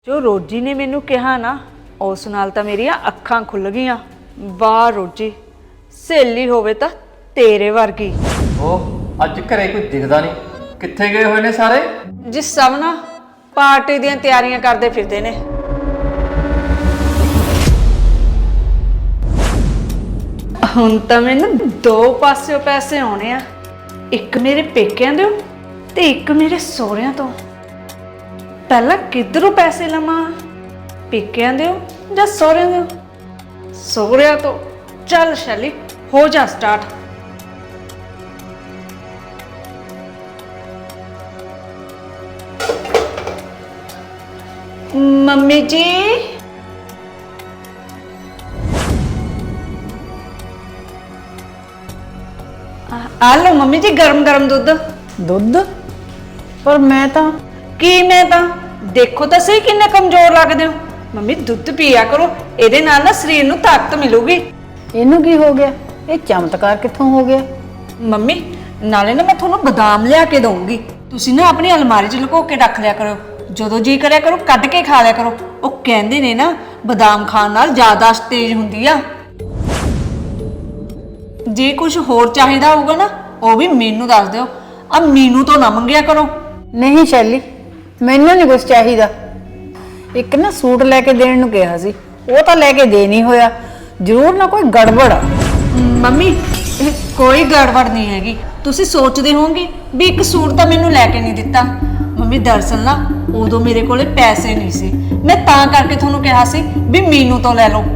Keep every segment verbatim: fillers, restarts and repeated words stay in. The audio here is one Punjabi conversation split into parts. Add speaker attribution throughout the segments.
Speaker 1: जो रोजी ने मैनू कहा ना उस नाल तां मेरियां अखां खुल गईयां। वाह रोजी, सहेली होवे तां तेरे वर्गी।
Speaker 2: ਉਹ ਅੱਜ ਘਰੇ ਕੋਈ ਦਿਖਦਾ ਨਹੀਂ, ਕਿੱਥੇ ਗਏ ਹੋਏ ਨੇ ਸਾਰੇ?
Speaker 1: जिस सब ना पार्टी ਦੀਆਂ ਤਿਆਰੀਆਂ ਕਰਦੇ ਫਿਰਦੇ ਨੇ। ਹੁਣ ਤਾਂ ਮੈਨੂੰ ਦੋ ਪਾਸਿਓਂ ਪੈਸੇ ਆਉਣੇ ਆ, ਇੱਕ ਮੇਰੇ ਪੇਕਿਆਂ ਦੇ ਤੇ ਇੱਕ ਮੇਰੇ ਸਹੁਰਿਆਂ ਤੋਂ। ਪਹਿਲਾਂ ਕਿੱਧਰੋਂ ਪੈਸੇ ਲਵਾਂ, ਪੇਕਿਆਂ ਦੇ ਜਾਂ ਸਹੁਰਿਆਂ ਦੇ? ਸਹੁਰਿਆਂ ਤੋਂ। ਚੱਲ ਸ਼ੈਲੀ ਹੋ ਜਾ ਸਟਾਰਟ। मम्मी जी, आ लो मम्मी जी गरम गरम दुध।
Speaker 3: दुध? पर मैं तो
Speaker 1: की मैं तो देखो तो सही किन्ने कमजोर लगदे हो। मम्मी दुध पिया करो, ਇਹਦੇ ਨਾਲ ना शरीर ਨੂੰ ताकत मिलूगी।
Speaker 3: ਇਹਨੂੰ ਕੀ ਹੋ ਗਿਆ? ਇਹ ਚਮਤਕਾਰ ਕਿੱਥੋਂ ਹੋ ਗਿਆ?
Speaker 1: मम्मी नाले ना मैं ਤੁਹਾਨੂੰ ਬਦਾਮ ਲਿਆ ਕੇ ਦਊਂਗੀ, ਤੁਸੀਂ ਨਾ ਆਪਣੀ ਅਲਮਾਰੀ 'ਚ ਲੁਕੋ ਕੇ ਰੱਖ ਲਿਆ ਕਰੋ, ਜਦੋਂ ਜੀ ਕਰਿਆ ਕਰੋ ਕੱਢ ਕੇ ਖਾ ਲਿਆ ਕਰੋ। ਉਹ ਕਹਿੰਦੇ ਨੇ ਨਾ ਬਦਾਮ ਖਾਣ ਨਾਲ ਯਾਦਾਸ਼ਤ ਤੇਜ਼ ਹੁੰਦੀ ਆ। ਜੇ ਕੁਝ ਹੋਰ ਚਾਹੀਦਾ ਹੋਊਗਾ ਨਾ ਉਹ ਵੀ ਮੈਨੂੰ ਦੱਸ ਦਿਓ, ਆ ਮੀਨੂ ਤੋਂ ਨਾ ਮੰਗਿਆ ਕਰੋ।
Speaker 3: ਨਹੀਂ ਸ਼ੈਲੀ, ਮੈਨੂੰ ਨਹੀਂ ਕੁਝ ਚਾਹੀਦਾ। ਇੱਕ ਨਾ ਸੂਟ ਲੈ ਕੇ ਦੇਣ ਨੂੰ ਕਿਹਾ ਸੀ, ਉਹ ਤਾਂ ਲੈ ਕੇ ਦੇ ਨਹੀਂ ਹੋਇਆ। ਜ਼ਰੂਰ ਨਾ ਕੋਈ ਗੜਬੜ ਆ।
Speaker 1: ਮੰਮੀ ਇਹ ਕੋਈ ਗੜਬੜ ਨਹੀਂ ਹੈਗੀ, ਤੁਸੀਂ ਸੋਚਦੇ ਹੋਵੋਗੇ ਵੀ ਇੱਕ ਸੂਟ ਤਾਂ ਮੈਨੂੰ ਲੈ ਕੇ ਨਹੀਂ ਦਿੱਤਾ। ਮੰਮੀ ਦਰਅਸਲ ਨਾ ਉਦੋਂ ਮੇਰੇ ਕੋਲੇ ਪੈਸੇ ਨਹੀਂ ਸੀ, ਮੈਂ ਤਾਂ ਕਰਕੇ ਤੁਹਾਨੂੰ ਕਿਹਾ ਸੀ ਵੀ ਮੀਨੂ ਤੋਂ ਲੈ ਲਓ।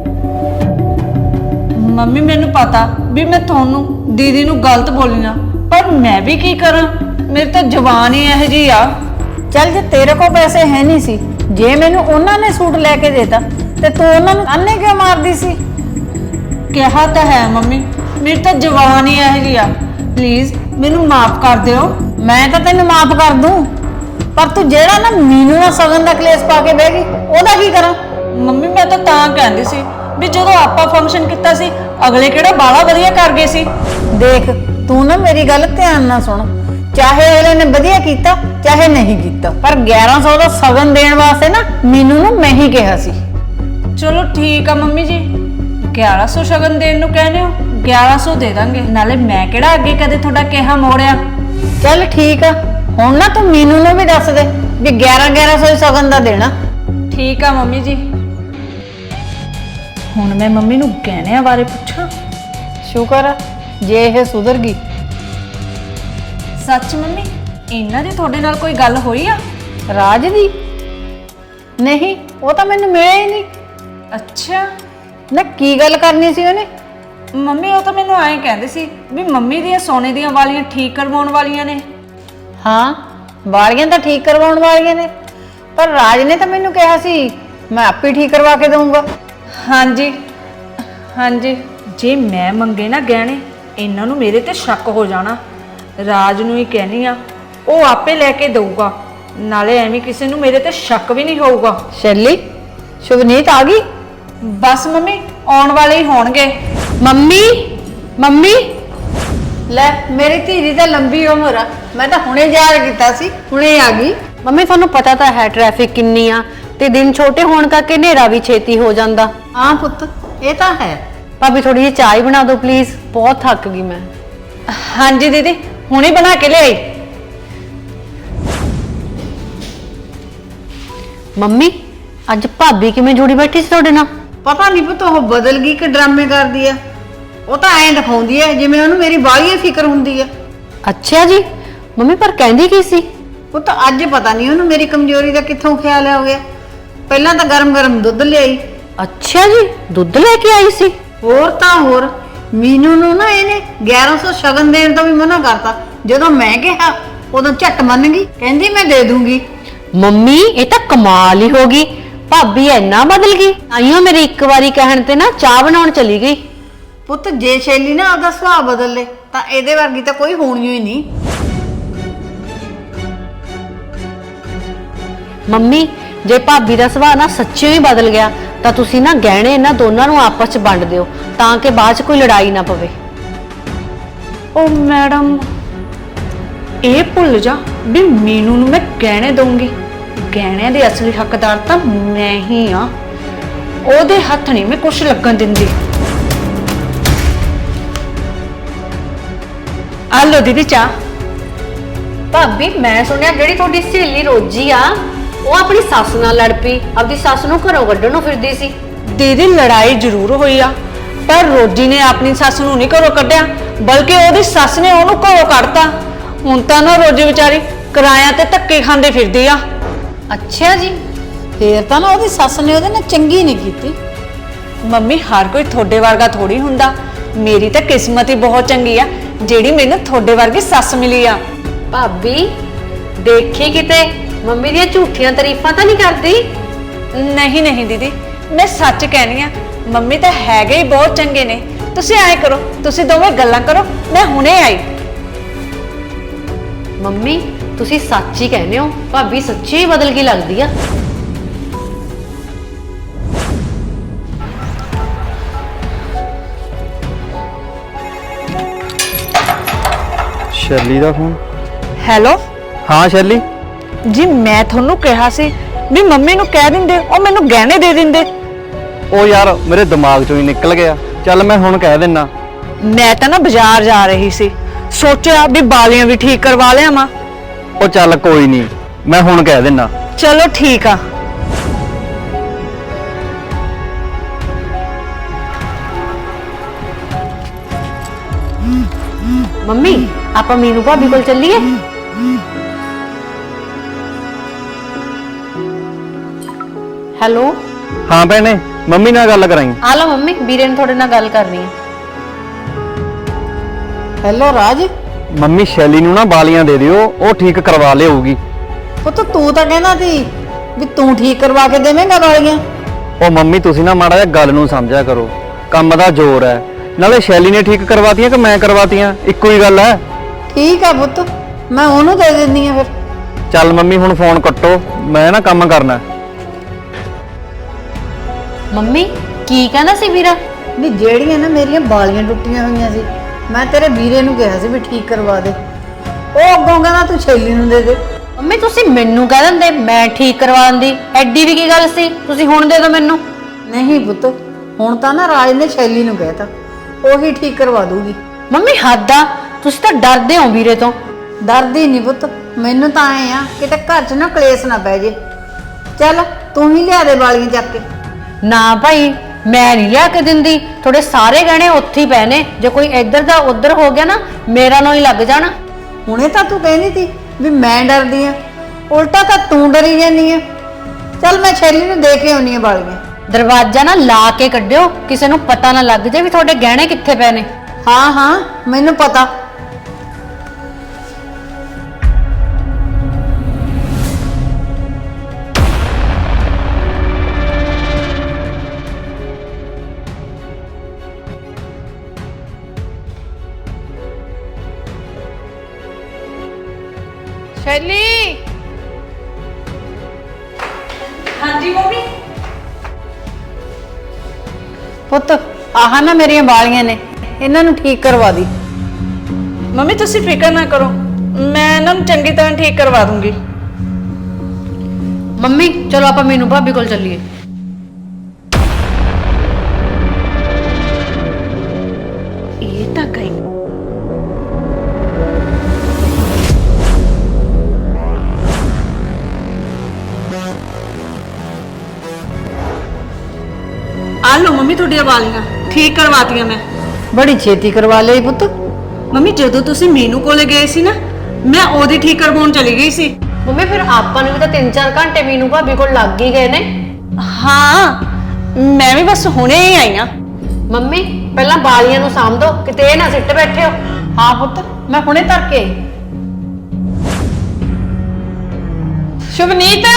Speaker 1: ਮੰਮੀ ਮੈਨੂੰ ਪਤਾ ਵੀ ਮੈਂ ਤੁਹਾਨੂੰ ਦੀਦੀ ਨੂੰ ਗਲਤ ਬੋਲੀ ਨਾ, ਪਰ ਮੈਂ ਵੀ ਕੀ ਕਰਾਂ, ਮੇਰੀ ਤਾਂ ਜ਼ੁਬਾਨ ਹੀ ਇਹੋ ਜਿਹੀ ਆ।
Speaker 3: ਚੱਲ ਜੇ ਤੇਰੇ ਕੋਲ ਪੈਸੇ ਹੈ ਨਹੀਂ ਸੀ, ਜੇ ਮੈਨੂੰ ਉਹਨਾਂ ਨੇ ਸੂਟ ਲੈ ਕੇ ਦੇਤਾ ਤੇ ਤੂੰ ਉਹਨਾਂ ਨੂੰ ਅੰਨੇ ਕਿਉਂ ਮਾਰਦੀ ਸੀ?
Speaker 1: ਕਿਹਾ ਤਾਂ ਹੈ ਮੰਮੀ, ਮੇਰੀ ਤਾਂ ਜ਼ੁਬਾਨ ਹੀ ਇਹੋ ਜਿਹੀ ਆ। ਪਲੀਜ਼ ਮੈਨੂੰ ਮਾਫ ਕਰ ਦਿਓ।
Speaker 3: ਮੈਂ ਤਾਂ ਤੈਨੂੰ ਮਾਫ ਕਰ ਦੂੰ, ਪਰ ਤੂੰ ਜਿਹੜਾ ਨਾ ਮੀਨੂ ਨਾਲ ਸਗਨ ਦਾ ਕਲੇਸ਼ ਪਾ ਕੇ ਬਹਿ ਗਈ, ਉਹਦਾ ਕੀ ਕਰਾਂ?
Speaker 1: ਮੰਮੀ ਮੈਂ ਤਾਂ ਤਾਂ ਕਹਿੰਦੀ ਸੀ ਵੀ ਜਦੋਂ ਆਪਾਂ ਫੰਕਸ਼ਨ ਕੀਤਾ ਸੀ ਅਗਲੇ ਕਿਹੜਾ ਬਾਲਾ ਵਧੀਆ ਕਰ ਗਏ ਸੀ।
Speaker 3: ਦੇਖ ਤੂੰ ਨਾ ਮੇਰੀ ਗੱਲ ਧਿਆਨ ਨਾਲ ਸੁਣ, ਚਾਹੇ ਅਗਲੇ ਨੇ ਵਧੀਆ ਕੀਤਾ ਚਾਹੇ ਨਹੀਂ ਕੀਤਾ, ਪਰ ਗਿਆਰਾਂ ਸੌ ਦਾ ਸਗਨ ਦੇਣ ਵਾਸਤੇ ਨਾ ਮੀਨੂ ਨੂੰ ਮੈਂ ਹੀ ਕਿਹਾ ਸੀ।
Speaker 1: ਚਲੋ ਠੀਕ ਆ ਮੰਮੀ ਜੀ, ਗਿਆਰਾਂ ਸੌ ਸ਼ਗਨ ਦੇਣ ਨੂੰ ਕਹਿੰਦੇ ਹੋ, ਗਿਆਰਾਂ ਸੌ ਦੇ ਦਾਂਗੇ। ਨਾਲੇ ਮੈਂ ਕਿਹੜਾ ਅੱਗੇ ਕਦੇ ਤੁਹਾਡਾ ਕਿਹਾ ਮੋੜਿਆ।
Speaker 3: ਚੱਲ ਠੀਕ ਆ, ਹੁਣ ਨਾ ਤੂੰ ਮੀਨੂ ਨੂੰ ਵੀ ਦੱਸ ਦੇ ਵੀ ਗਿਆਰਾਂ ਗਿਆਰਾਂ ਸੌ ਸਗਨ ਦਾ ਦੇਣਾ।
Speaker 1: ਠੀਕ ਆ ਮੰਮੀ ਜੀ। ਹੁਣ ਮੈਂ ਮੰਮੀ ਨੂੰ ਗਹਿਣਿਆਂ ਬਾਰੇ ਪੁੱਛਾਂ।
Speaker 3: ਸ਼ੁਕਰ ਆ ਜੇ ਇਹ ਸੁਧਰ ਗਈ।
Speaker 1: ਸੱਚ ਮੰਮੀ ਇਹਨਾਂ ਦੀ ਤੁਹਾਡੇ ਨਾਲ ਕੋਈ ਗੱਲ ਹੋਈ ਆ?
Speaker 3: ਰਾਜ ਦੀ? ਨਹੀਂ, ਉਹ ਤਾਂ ਮੈਨੂੰ ਮਿਲਿਆ ਹੀ ਨਹੀਂ।
Speaker 1: ਅੱਛਾ
Speaker 3: ਨਾ ਕੀ ਗੱਲ ਕਰਨੀ ਸੀ ਉਹਨੇ?
Speaker 1: ਮੰਮੀ ਉਹ ਤਾਂ ਮੈਨੂੰ ਐਂ ਕਹਿੰਦੇ ਸੀ ਵੀ ਮੰਮੀ ਦੀਆਂ ਸੋਨੇ ਦੀਆਂ ਵਾਲੀਆਂ ਠੀਕ ਕਰਵਾਉਣ ਵਾਲੀਆਂ ਨੇ।
Speaker 3: ਹਾਂ ਵਾਲੀਆਂ ਤਾਂ ਠੀਕ ਕਰਵਾਉਣ ਵਾਲੀਆਂ ਨੇ, ਪਰ ਰਾਜ ਨੇ ਤਾਂ ਮੈਨੂੰ ਕਿਹਾ ਸੀ ਮੈਂ ਆਪੇ ਠੀਕ ਕਰਵਾ ਕੇ ਦਊਂਗਾ।
Speaker 1: ਹਾਂਜੀ ਹਾਂਜੀ, ਜੇ ਮੈਂ ਮੰਗੇ ਨਾ ਗਹਿਣੇ ਇਹਨਾਂ ਨੂੰ ਮੇਰੇ ਤੇ ਸ਼ੱਕ ਹੋ ਜਾਣਾ। ਰਾਜ ਨੂੰ ਹੀ ਕਹਿਣੀ ਆ, ਉਹ ਆਪੇ ਲੈ ਕੇ ਦਊਗਾ, ਨਾਲੇ ਐਵੇਂ ਕਿਸੇ ਨੂੰ ਮੇਰੇ ਤੇ ਸ਼ੱਕ ਵੀ ਨਹੀਂ ਹੋਊਗਾ।
Speaker 3: ਸ਼ੈਲੀ, ਸ਼ੁਭਨੀਤ ਆ ਗਈ?
Speaker 1: ਬਸ ਮੰਮੀ ਆਉਣ ਵਾਲੇ ਹੀ ਹੋਣਗੇ।
Speaker 3: ਮੰਮੀ ਮੰਮੀ ਲੈ, ਮੇਰੀ ਧੀ ਦੀ ਤਾਂ ਲੰਬੀ ਉਮਰ ਆ, ਮੈਂ ਤਾਂ ਹੁਣੇ ਯਾਦ ਕੀਤਾ ਸੀ, ਹੁਣੇ ਆ ਗਈ।
Speaker 4: ਮੰਮੀ ਤੁਹਾਨੂੰ ਪਤਾ ਤਾਂ ਹੈ ਟ੍ਰੈਫਿਕ ਕਿੰਨੀ ਆ, ਤੇ ਦਿਨ ਛੋਟੇ ਹੋਣ ਕਰਕੇ ਹਨੇਰਾ ਵੀ ਛੇਤੀ ਹੋ ਜਾਂਦਾ।
Speaker 3: ਹਾਂ ਪੁੱਤ ਇਹ ਤਾਂ ਹੈ।
Speaker 4: ਭਾਬੀ ਥੋੜੀ ਜਿਹੀ ਚਾਹ ਬਣਾ ਦਿਓ ਪਲੀਜ਼, ਬਹੁਤ ਥੱਕ ਗਈ ਮੈਂ।
Speaker 1: ਹਾਂਜੀ ਦੀਦੀ ਹੁਣੇ ਬਣਾ ਕੇ ਲਿਆਈ।
Speaker 4: ਮੰਮੀ ਅੱਜ ਭਾਬੀ ਕਿਵੇਂ ਜੁੜੀ ਬੈਠੀ ਸੀ ਤੁਹਾਡੇ ਨਾਲ?
Speaker 3: ਪਤਾ ਨਹੀਂ ਪੁੱਤ ਉਹ ਬਦਲ ਗਈ ਕਿ ਡਰਾਮੇ ਕਰਦੀ ਆ। ਉਹ ਤਾਂ ਐਂ ਦਿਖਾਉਂਦੀ ਐ ਜਿਵੇਂ ਉਹਨੂੰ ਮੇਰੀ ਬਾਹਲੀ ਫਿਕਰ ਹੁੰਦੀ ਆ।
Speaker 4: ਅੱਛਾ ਜੀ ਮੰਮੀ, ਪਰ ਕਹਿੰਦੀ ਕੀ ਸੀ?
Speaker 3: ਪੁੱਤ ਅੱਜ ਪਤਾ ਨਹੀਂ ਉਹਨੂੰ ਮੇਰੀ ਕਮਜ਼ੋਰੀ ਦਾ ਕਿੱਥੋਂ ਖਿਆਲ ਆ ਗਿਆ। ਪਹਿਲਾਂ ਤਾਂ ਗਰਮ ਗਰਮ ਦੁੱਧ ਲਿਆਈ।
Speaker 4: ਅੱਛਾ ਜੀ, ਦੁੱਧ ਲੈ ਕੇ ਆਈ ਸੀ?
Speaker 3: ਹੋਰ ਤਾਂ ਹੋਰ, ਮੀਨੂ ਨੂੰ ਨਾ ਇਹਨੇ ਗਿਆਰਾਂ ਸੌ ਸ਼ਗਨ ਦੇਣ ਤੋਂ ਵੀ ਮਨਾ ਕਰਤਾ। ਜਦੋਂ ਮੈਂ ਕਿਹਾ ਉਦੋਂ ਝੱਟ ਮੰਨ ਗਈ, ਕਹਿੰਦੀ ਮੈਂ ਦੇ ਦੂੰਗੀ।
Speaker 4: ਮੰਮੀ ਇਹ ਤਾਂ ਕਮਾਲ ਹੀ ਹੋ ਗਈ, ਭਾਬੀ ਇੰਨਾ ਬਦਲ ਗਈ। ਆਈਓ ਮੇਰੇ ਇੱਕ ਵਾਰੀ ਕਹਿਣ ਤੇ ਨਾ ਚਾਹ ਬਣਾਉਣ ਚਲੀ ਗਈ।
Speaker 3: ਪੁੱਤ ਜੇ ਸ਼ੈਲੀ ਨਾ ਉਹਦਾ ਸੁਭਾਅ ਬਦਲ ਲੇ ਤਾਂ ਇਹਦੇ ਵਰਗੀ ਤਾਂ ਕੋਈ ਹੋਣੀ ਹੀ ਨਹੀਂ।
Speaker 4: ਮੰਮੀ ਜੇ ਭਾਬੀ ਦਾ ਸੁਭਾਅ ਨਾ ਸੱਚੀ ਹੀ ਬਦਲ ਗਿਆ ਤਾਂ ਤੁਸੀਂ ਨਾ ਗਹਿਣੇ ਇਹਨਾਂ ਦੋਨਾਂ ਨੂੰ ਆਪਸ ਚ ਵੰਡ ਦਿਓ, ਤਾਂ ਕਿ ਬਾਅਦ ਚ ਕੋਈ ਲੜਾਈ ਨਾ ਪਵੇ।
Speaker 1: ਉਹ ਮੈਡਮ ਇਹ ਭੁੱਲ ਜਾ ਵੀ ਮੀਨੂ ਨੂੰ ਮੈਂ ਗਹਿਣੇ ਦਊਂਗੀ, ਗਹਿਣਿਆਂ ਦੇ ਅਸਲੀ ਹੱਕਦਾਰ ਤਾਂ ਮੈਂ ਹੀ ਆ। ਉਹਦੇ ਹੱਥ ਨਹੀਂ ਮੈਂ ਕੁਛ ਲੱਗਣ ਦਿੰਦੀ। ਆ ਲਓ ਦੀਦੀ ਚਾਹ।
Speaker 4: ਭਾਬੀ ਮੈਂ ਸੁਣਿਆ ਜਿਹੜੀ ਤੁਹਾਡੀ ਸਹੇਲੀ ਰੋਜੀ ਆ ਉਹ ਆਪਣੀ ਸੱਸ ਨਾਲ ਲੜ ਪਈ, ਆਪਣੀ ਸੱਸ ਨੂੰ ਘਰੋਂ ਕੱਢਣ ਨੂੰ ਫਿਰਦੀ ਸੀ।
Speaker 1: ਦੀਦੀ ਲੜਾਈ ਜ਼ਰੂਰ ਹੋਈ ਆ, ਪਰ ਰੋਜੀ ਨੇ ਆਪਣੀ ਸੱਸ ਨੂੰ ਨਹੀਂ ਘਰੋਂ ਕੱਢਿਆ, ਬਲਕਿ ਉਹਦੀ ਸੱਸ ਨੇ ਉਹਨੂੰ ਘਰੋਂ ਕੱਢਤਾ। ਹੁਣ ਤਾਂ ਨਾ ਰੋਜੀ ਵਿਚਾਰੀ ਕਿਰਾਇਆ ਤੇ ਧੱਕੇ ਖਾਂਦੇ ਫਿਰਦੀ ਆ।
Speaker 4: ਅੱਛਾ ਜੀ।
Speaker 3: ਫੇਰ ਤਾਂ ਨਾ ਉਹਦੀ ਸੱਸ ਨੇ ਉਹਦੇ ਨਾਲ ਚੰਗੀ ਨਹੀਂ ਕੀਤੀ।
Speaker 1: ਮੰਮੀ ਹਰ ਕੋਈ ਤੁਹਾਡੇ ਵਰਗਾ ਥੋੜੀ ਹੁੰਦਾ। ਮੇਰੀ ਤਾਂ ਕਿਸਮਤ ਹੀ ਬਹੁਤ ਚੰਗੀ ਆ ਜਿਹੜੀ ਮੈਨੂੰ ਤੁਹਾਡੇ ਵਰਗੀ ਸੱਸ ਮਿਲੀ ਆ।
Speaker 4: ਭਾਬੀ ਦੇਖੀ ਕਿਤੇ ਮੰਮੀ ਦੀਆਂ ਝੂਠੀਆਂ ਤਾਰੀਫਾਂ ਤਾਂ ਨਹੀਂ ਕਰਦੀ?
Speaker 1: ਨਹੀਂ ਨਹੀਂ ਦੀਦੀ, ਮੈਂ ਸੱਚ ਕਹਿਣੀ ਆ, ਮੰਮੀ ਤਾਂ ਹੈਗੇ ਹੀ ਬਹੁਤ ਚੰਗੇ ਨੇ। ਤੁਸੀਂ ਐਂ ਕਰੋ, ਤੁਸੀਂ ਦੋਵੇਂ ਗੱਲਾਂ ਕਰੋ, ਮੈਂ ਹੁਣੇ ਆਈ।
Speaker 4: ਮੰਮੀ ਤੁਸੀਂ ਸੱਚ ਹੀ ਕਹਿੰਦੇ ਹੋ, ਭਾਬੀ ਸੱਚੀ ਹੀ ਬਦਲ ਗਈ ਲੱਗਦੀ ਆ।
Speaker 2: ਸ਼ੈਲੀ ਦਾ ਫੋਨ।
Speaker 1: ਹੈਲੋ
Speaker 2: ਹਾਂ ਸ਼ੈਲੀ।
Speaker 1: ਜੀ, ਮੈਂ ਤੁਹਾਨੂੰ ਕਿਹਾ ਸੀ ਵੀ ਮੰਮੀ ਨੂੰ ਕਹਿ ਦਿੰਦੇ, ਉਹ ਮੈਨੂੰ ਗਹਿਣੇ ਦੇ ਦਿੰਦੇ।
Speaker 2: ਉਹ ਯਾਰ ਮੇਰੇ ਦਿਮਾਗ ਚੋਂ ਹੀ ਨਿਕਲ ਗਿਆ। ਚੱਲ ਮੈਂ ਹੁਣ ਕਹਿ ਦਿੰਨਾ।
Speaker 1: ਮੈਂ ਤਾਂ ਨਾ ਬਾਜ਼ਾਰ ਜਾ ਰਹੀ ਸੀ, ਸੋਚਿਆ ਵੀ ਬਾਲੀਆਂ ਵੀ ਠੀਕ ਕਰਵਾ ਲਿਆਵਾਂ।
Speaker 2: ਉਹ ਚੱਲ ਕੋਈ ਨਹੀਂ, ਮੈਂ ਹੁਣ ਕਹਿ ਦਿੰਨਾ।
Speaker 1: ਚਲੋ ਠੀਕ ਆ।
Speaker 4: ਮੰਮੀ ਆਪਾਂ ਮੀਨੂ ਭਾਬੀ ਕੋਲ ਚੱਲੀਏ? ਹੈਲੋ।
Speaker 2: ਹਾਂ ਭੈਣੇ, ਮੰਮੀ ਨਾਲ ਗੱਲ ਕਰਾਈ।
Speaker 4: ਆ ਲਓ ਮੰਮੀ, ਵੀਰੇ ਨੇ ਤੁਹਾਡੇ ਨਾਲ ਗੱਲ ਕਰਨੀ ਹੈ।
Speaker 3: ਹੈਲੋ ਰਾਜ।
Speaker 2: ਮੰਮੀ ਸ਼ੈਲੀ ਨੂੰ ਨਾ ਬਾਲੀਆਂ ਦੇ ਦਿਓ, ਉਹ ਠੀਕ ਕਰਵਾ ਲਿਆਊਗੀ।
Speaker 3: ਪੁੱਤ ਤੂੰ ਤਾਂ ਕਹਿੰਦਾ ਸੀ ਵੀ ਤੂੰ ਠੀਕ ਕਰਵਾ ਕੇ ਦੇਵੇਂਗਾ ਵਾਲੀਆਂ।
Speaker 2: ਉਹ ਮੰਮੀ ਤੁਸੀਂ ਨਾ ਮਾੜਾ ਜਿਹਾ ਗੱਲ ਨੂੰ ਸਮਝਿਆ ਕਰੋ, ਕੰਮ ਦਾ ਜ਼ੋਰ ਹੈ। ਨਾਲੇ ਸ਼ੈਲੀ ਨੇ ਠੀਕ ਕਰਵਾਤੀਆਂ ਕਿ ਮੈਂ ਕਰਵਾਤੀਆਂ, ਇੱਕੋ ਹੀ ਗੱਲ ਹੈ।
Speaker 3: ਠੀਕ ਆ ਪੁੱਤ, ਮੈਂ ਉਹਨੂੰ ਦੇ ਦਿੰਦੀ ਆ ਫਿਰ।
Speaker 2: ਚੱਲ ਮੰਮੀ ਹੁਣ ਫੋਨ ਕੱਟੋ, ਮੈਂ ਨਾ ਕੰਮ ਕਰਨਾ।
Speaker 4: ਮੰਮੀ ਕੀ ਕਹਿੰਦਾ ਸੀ ਵੀਰਾ?
Speaker 3: ਵੀ ਜਿਹੜੀਆਂ ਨਾ ਮੇਰੀਆਂ ਬਾਲੀਆਂ ਟੁੱਟੀਆਂ ਹੋਈਆਂ ਸੀ, ਮੈਂ ਤੇਰੇ ਵੀਰੇ ਨੂੰ ਕਿਹਾ ਸੀ ਵੀ ਠੀਕ ਕਰਵਾ ਦੇ। ਉਹ ਅੱਗੋਂ ਕਹਿੰਦਾ ਤੂੰ ਸ਼ੈਲੀ ਨੂੰ ਦੇ ਦੇ।
Speaker 4: ਮੰਮੀ ਤੁਸੀਂ ਮੈਨੂੰ ਕਹਿ ਦਿੰਦੇ, ਮੈਂ ਠੀਕ ਕਰਵਾ ਦਿੰਦੀ। ਐਡੀ ਵੀ ਕੀ ਗੱਲ ਸੀ, ਤੁਸੀਂ ਹੁਣ ਦੇ ਦਿਓ ਮੈਨੂੰ।
Speaker 3: ਨਹੀਂ ਪੁੱਤ, ਹੁਣ ਤਾਂ ਨਾ ਰਾਜ ਨੇ ਸ਼ੈਲੀ ਨੂੰ ਕਹਿਤਾ, ਉਹੀ ਠੀਕ ਕਰਵਾ ਦੂਗੀ।
Speaker 4: ਮੰਮੀ ਹੱਦ ਆ, ਤੁਸੀਂ ਤਾਂ ਡਰਦੇ ਹੋ ਵੀਰੇ ਤੋਂ।
Speaker 3: ਡਰਦੀ ਨਹੀਂ ਪੁੱਤ, ਮੈਨੂੰ ਤਾਂ ਐ ਆ ਕਿਤੇ ਘਰ 'ਚ ਨਾ ਕਲੇਸ਼ ਨਾ ਪੈ ਜੇ। ਚੱਲ ਤੂੰ ਹੀ ਲਿਆ ਦੇ ਵਾਲੀਆਂ ਚੱਕ ਕੇ।
Speaker 4: ਨਾ ਭਾਈ, ਮੈਂ ਨਹੀਂ ਲਿਆ ਕੇ ਦਿੰਦੀ। ਤੁਹਾਡੇ ਸਾਰੇ ਗਹਿਣੇ ਉੱਥੇ ਹੀ ਪਏ ਨੇ, ਜੇ ਕੋਈ ਇੱਧਰ ਦਾ ਉੱਧਰ ਹੋ ਗਿਆ ਨਾ ਮੇਰਾ ਨਾਂ ਹੀ ਲੱਗ ਜਾਣਾ।
Speaker 3: ਹੁਣੇ ਤਾਂ ਤੂੰ ਕਹਿੰਦੀ ਸੀ ਵੀ ਮੈਂ ਡਰਦੀ ਆ, ਉਲਟਾ ਤਾਂ ਤੂੰ ਡਰੀ ਜਾਂਦੀ ਆ। ਚੱਲ ਮੈਂ ਸ਼ੈਲੀ ਨੂੰ ਦੇ ਕੇ ਆਉਣੀ ਆ ਵਾਲੀਆਂ।
Speaker 4: ਦਰਵਾਜ਼ਾ ਨਾ ਲਾ ਕੇ ਕੱਢਿਓ, ਕਿਸੇ ਨੂੰ ਪਤਾ ਨਾ ਲੱਗ ਜਾਏ ਵੀ ਤੁਹਾਡੇ ਗਹਿਣੇ ਕਿੱਥੇ ਪਏ ਨੇ।
Speaker 3: ਹਾਂ ਹਾਂ ਮੈਨੂੰ ਪਤਾ।
Speaker 1: ਸ਼ੈਲੀ। ਹਾਂਜੀ ਮੰਮੀ।
Speaker 3: ਪੁੱਤ ਆਹ ਨਾ ਮੇਰੀਆਂ ਵਾਲੀਆਂ ਨੇ, ਇਹਨਾਂ ਨੂੰ ਠੀਕ ਕਰਵਾ ਦੀ।
Speaker 1: ਮੰਮੀ ਤੁਸੀਂ ਫਿਕਰ ਨਾ ਕਰੋ, ਮੈਂ ਇਹਨਾਂ ਨੂੰ ਚੰਗੀ ਤਰ੍ਹਾਂ ਠੀਕ ਕਰਵਾ ਦੂੰਗੀ।
Speaker 4: ਮੰਮੀ ਚਲੋ ਆਪਾਂ ਮੀਨੂ ਭਾਬੀ ਕੋਲ ਚੱਲੀਏ।
Speaker 1: ਇਹ ਤਾਂ ਗਈ। ਆ ਲਓ ਮੰਮੀ ਤੁਹਾਡੀਆਂ ਵਾਲੀਆਂ ਠੀਕ ਕਰਵਾਤੀਆਂ ਮੈਂ।
Speaker 3: ਬੜੀ ਛੇਤੀ ਕਰਵਾ ਲਈ ਪੁੱਤ।
Speaker 1: ਮੰਮੀ ਜਦੋਂ ਤੁਸੀਂ ਮੀਨੂ ਕੋਲੇ ਗਏ ਸੀ ਨਾ, ਮੈਂ ਉਹਦੀ ਠੀਕ ਕਰਵਾਉਣ ਚਲੀ ਗਈ ਸੀ।
Speaker 4: ਮੰਮੀ ਫਿਰ ਆਪਾਂ ਨੂੰ ਵੀ ਤਾਂ ਤਿੰਨ ਚਾਰ ਘੰਟੇ ਮੀਨੂ ਭਾਬੀ ਕੋਲ ਲੱਗ ਹੀ ਗਏ ਨੇ।
Speaker 1: ਹਾਂ, ਮੈਂ ਵੀ ਬਸ ਹੁਣੇ ਹੀ ਆਈ ਆ।
Speaker 4: ਮੰਮੀ ਪਹਿਲਾਂ ਬਾਲੀਆਂ ਨੂੰ ਸਾਂਭ ਦੋ, ਕਿਤੇ ਇਹ ਨਾ ਸਿੱਟ ਬੈਠੇ ਹੋ।
Speaker 3: ਹਾਂ ਪੁੱਤ, ਮੈਂ ਹੁਣੇ ਧਰ ਕੇ ਆਈ।
Speaker 1: ਸ਼ੁਭਨੀਤ।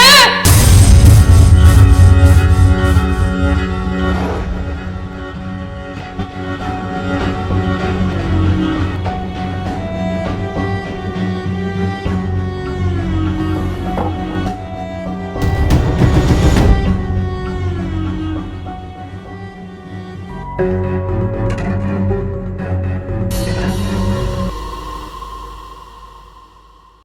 Speaker 2: Thank you.